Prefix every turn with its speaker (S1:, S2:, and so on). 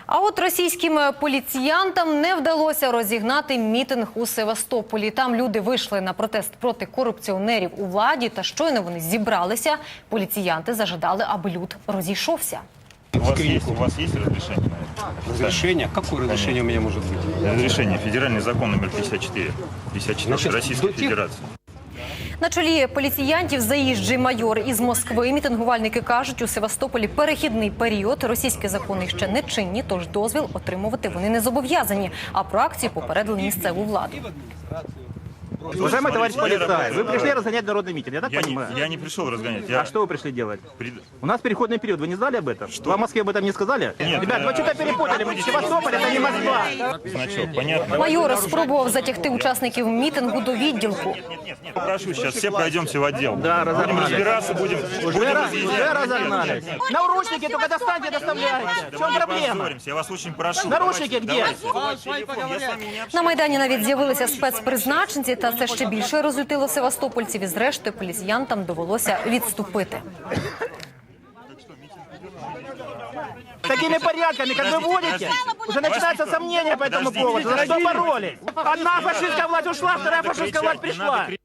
S1: А от російським поліціянтам не вдалося розігнати мітинг у Севастополі. Там люди вийшли на протест проти корупціонерів у владі, та щойно вони зібралися, поліціянти зажадали, аби люд розійшовся.
S2: У вас есть разрешение на это?
S3: Разрешение? Какое разрешение у меня может быть?
S2: Разрешение. Федеральный закон номер 54. 54
S3: Значит,
S2: Российской
S3: до тех-
S2: Федерации.
S1: На чолі поліціянтів заїжджий майор із Москви. Мітингувальники кажуть, у Севастополі перехідний період. Російські закони ще не чинні, тож дозвіл отримувати вони не зобов'язані. А про акцію попередили місцеву владу.
S4: Уважаемый товарищ полицай, вы пришли разгонять народный митинг, я так понимаю?
S2: Я не пришел разгонять.
S4: А что вы пришли делать? У нас переходный период, вы не знали об этом? Вам в Москве об этом не сказали?
S2: Нет.
S4: Ребят, вы что-то перепутали, Севастополь это не Москва.
S2: Значок, понятно?
S1: Майор спробував затягти учасників мітингу до відділку.
S2: Нет, попрошу, сейчас все пройдемте в отдел.
S4: Да,
S2: будем
S4: разогнались.
S2: разбираться, будем
S4: Уже
S2: разъяснять.
S4: разогнались. Наручники только достаньте, доставляйте. В чем проблема?
S2: Поссоримся, я вас очень прошу.
S4: Наручники где?
S2: Я с вами не общаюсь.
S1: На Майдані навіть з'явилися спецпризначенці, та це ще більше розлютило севастопольців. І зрештою поліціянтам довелося відступити.
S4: Такими порядками, как вы водите, уже начинаются сомнения по этому поводу. За что боролись? Одна фашистская власть ушла, вторая фашистская власть пришла.